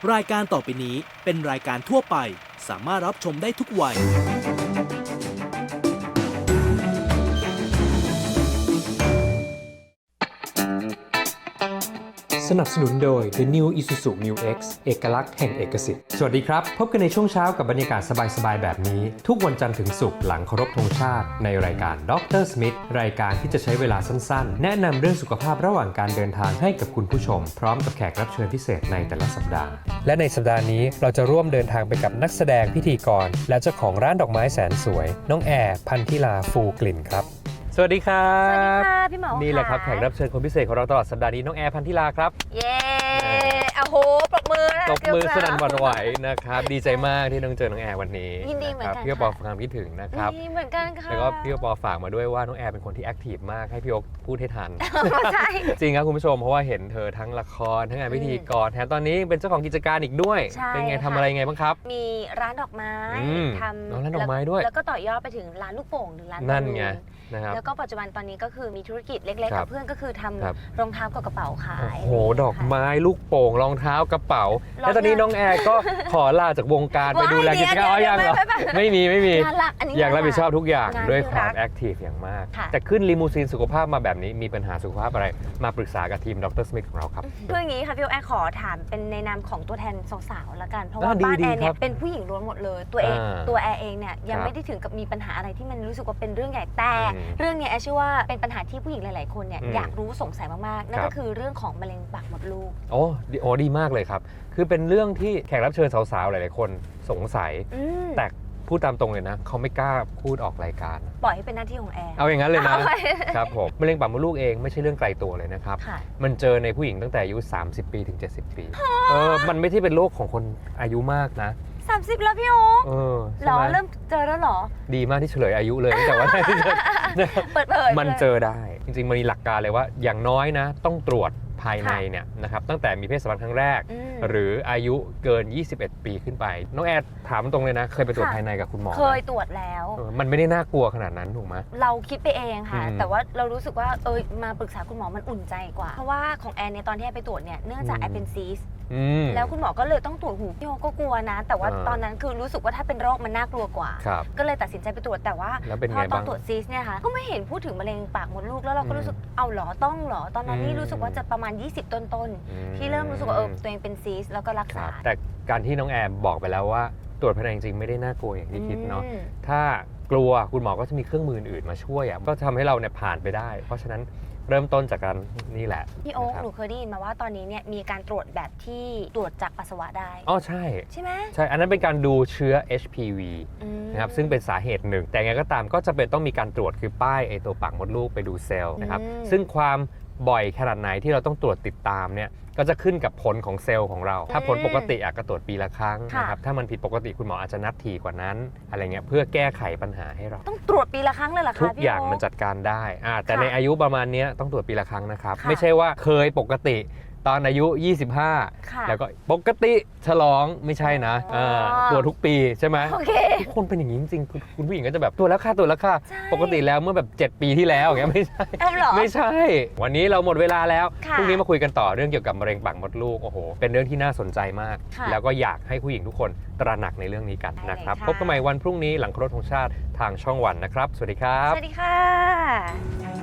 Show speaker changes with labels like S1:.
S1: รายการต่อไปนี้เป็นรายการทั่วไปสามารถรับชมได้ทุกวัย
S2: สนับสนุนโดย The New Isuzu Mu X เอกลักษณ์แห่งเอกสิทธิ์สวัสดีครับพบกันในช่วงเช้ากับบรรยากาศสบายๆแบบนี้ทุกวันจันทร์ถึงศุกร์หลังเคารพธงชาติในรายการดรสมิธรายการที่จะใช้เวลาสั้นๆแนะนำเรื่องสุขภาพระหว่างการเดินทางให้กับคุณผู้ชมพร้อมกับแขกรับเชิญพิเศษในแต่ละสัปดาห์และในสัปดาห์นี้เราจะร่วมเดินทางไปกับนักแสดงพิธีกรและเจ้าของร้านดอกไม้แสนสวยน้องแอร์พันธิลาฟูกลิ่นครับสวัสดีครับ
S3: สวัสดีค่ะพี่หมอนี่
S2: แหละครับแขกรับเชิญคนพิเศษของเราตลอดสัปดาห์นี้น้องแอร์พันธิลาครับ
S3: เย้โอ้โหปรบมือ
S2: สนั่นหวั่นไหวนะครับดีใจมากที่น้องเจอน้องแอร์วันนี้
S3: ยินดีเหมือนกัน
S2: พี่ปอฟังคิดถึงนะครับ
S3: เหมือนกันค่ะ
S2: แล้วก็พี่ปอฝากมาด้วยว่าน้องแอร์เป็นคนที่แอคทีฟมากให้พี่โอ๊คพูดให้ทัน
S3: ใช่
S2: จริงครับคุณผู้ชมเพราะว่าเห็นเธอทั้งละครทั้งงานพิธีกรแถมตอนนี้เป็นเจ้าของกิจการอีกด้วยเป็นไงทำอะไรไงบ้างครับ
S3: มีร้านดอกไม้ทำ
S2: ร้านดอกไม้ด้วย
S3: แล้วก็ต่อยอดไปถึงร้านลูกโป่งหรือร้าน
S2: นั่นไงนะครับ
S3: แล้วก็ปัจจุบันตอนนี้ก็คือมีธุรกิจเล็กๆกับเพื่อนก็คือทำรองเท้ากับกระเป๋าขาย
S2: โอ้โหดอกไม้ลูกโป่งรองเท้ากระเป๋าแล้วตอนนี้น้องแอร์ก็ขอลาจากวงการไปดูแลกิจการยังเหรอไม่มีอยากรับผิดชอบทุกอย่างด้วยความแอคทีฟอย่างมากแต่ขึ้นลิมูซีนสุขภาพมาแบบนี้มีปัญหาสุขภาพอะไรมาปรึกษากับทีมดรสมิธของเราครับ
S3: เพื่ออย่างนี้ค่ะพี่แอร์ขอถามเป็นในนามของตัวแทนสาวๆละกันเพราะว่าบ้านแอร์เนี่ยเป็นผู้หญิงล้วนหมดเลยตัวแอร์เองเนี่ยยังไม่ได้ถึงกับมีปัญหาอะไรที่มันรู้สึกว่าเป็นเรื่องใหญ่แต่เรื่องนี้แอร์เชื่อว่าเป็นปัญหาที่ผู้หญิงหลายๆคนเนี่ยอยากรู้สงสัยมากๆนั่นก็คือเรื่องของมะเร็งปากมดลูก
S2: โอ้ดีมากเลยครับคือเป็นเรื่องที่แขกรับเชิญสาวๆหลายๆคนสงสัยแต่พูดตามตรงเลยนะเขาไม่กล้าพูดออกรายการ
S3: ปล่อยให้เป็นหน้าที่ของแอร์
S2: เอาอย่างนั้นเลยนะครับผมมะเร็งปากมดลูกเองไม่ใช่เรื่องไกลตัวเลยนะครับมันเจอในผู้หญิงตั้งแต่อายุ30 ปีถึง70 ปีมันไม่ใช่เป็นโรคของคนอายุมากนะ
S3: 30แล้วพี่โอ๊คหรอเริ่มเจอแล้วหรอ
S2: ดีมากที่เฉลยอายุเลยแต่ว่า
S3: เปิดเผย
S2: มันเจอได้จริงๆมันมีหลักการเลยว่าอย่างน้อยนะต้องตรวจภายในเนี่ยนะครับตั้งแต่มีเพศสัมพันธ์ครั้งแรกหรืออายุเกิน21 ปีขึ้นไปน้องแอดถามตรงเลยนะเคยไปตรวจภายในกับคุณหมอ
S3: เคยตรวจแล้ว
S2: มันไม่ได้น่ากลัวขนาดนั้นถูกไหม
S3: เราคิดไปเองค่ะแต่ว่าเรารู้สึกว่ามาปรึกษาคุณหมอมันอุ่นใจกว่าเพราะว่าของแอนเนี่ยตอนที่แอนไปตรวจเนี่ยเนื่องจากแอนเป็นซีสแล้วคุณหมอก็เลยต้องตรวจหูพี่โอก็กลัวนะแต่ว่าตอนนั้นคือรู้สึกว่าถ้าเป็นโรคมันน่ากลัวกว่าก็เลยตัดสินใจไปตรวจแต่ว่าพอตอนตรวจซีสเนี่ยค่ะก็ไม่เห็นพูดถึงมะเร็งปากมดลูกแล้วเราก็รู้สึกเอาหรอต้องหรอตอนนั้นนี่รู้สึกว่าจะประมาณ20ต้นที่เริ่มรู้สึกว่าตัวเองเป็นซีสแล้วก็รักษา
S2: แต่การที่น้องแอมบอกไปแล้วว่าตรวจภายในจริงๆไม่ได้น่ากลัวอย่างที่คิดเนาะถ้ากลัวคุณหมอก็จะมีเครื่องมืออื่นมาช่วยก็ทำให้เราเนี่ยผ่านไปได้เพราะฉะนั้นเริ่มต้นจากการนี่แหละ
S3: พี่โอ๊คหนูเคยได้ยินมาว่าตอนนี้เนี่ยมีการตรวจแบบที่ตรวจจากปัสสาวะได้
S2: ใช่
S3: ใช่ไหม
S2: ใช่อันนั้นเป็นการดูเชื้อ HPV นะครับซึ่งเป็นสาเหตุหนึ่งแต่ไงก็ตามก็จะเป็นต้องมีการตรวจคือป้ายตัวปากมดลูกไปดูเซลล์นะครับซึ่งความบ่อยขนาดไหนที่เราต้องตรวจติดตามเนี่ยก็จะขึ้นกับผลของเซลล์ของเราถ้าผลปกติก็ตรวจปีละครั้งนะครับถ้ามันผิดปกติคุณหมออาจจะนัดถี่กว่านั้นอะไรเงี้ยเพื่อแก้ไขปัญหาให้เรา
S3: ต้องตรวจปีละครั้งเลยเหรอคะ
S2: ทุกอย่างมันจัดการได้แต่ในอายุประมาณนี้ต้องตรวจปีละครั้งนะครับไม่ใช่ว่าเคยปกติตอนอายุ25แล้วก็ปกติฉลองไม่ใช่นะตรวจทุกปีใช่ไหมทุกคนเป็นอย่างนี้จริงๆคุณผู้หญิงก็จะแบบตรวจแล้วค่ะปกติแล้วเมื่อแบบ7 ปีที่แล้วอย่างเงี้ยไม่ใช่วันนี้เราหมดเวลาแล้วพรุ่งนี้มาคุยกันต่อเรื่องเกี่ยวกับมะเร็งปากมดลูกโอ้โหเป็นเรื่องที่น่าสนใจมากแล้วก็อยากให้ผู้หญิงทุกคนตระหนักในเรื่องนี้กันนะครับพบกันใหม่วันพรุ่งนี้หลังเคารพธงชาติทางช่องวันนะครับสวัสดีครับ
S3: สวัสดีค่ะ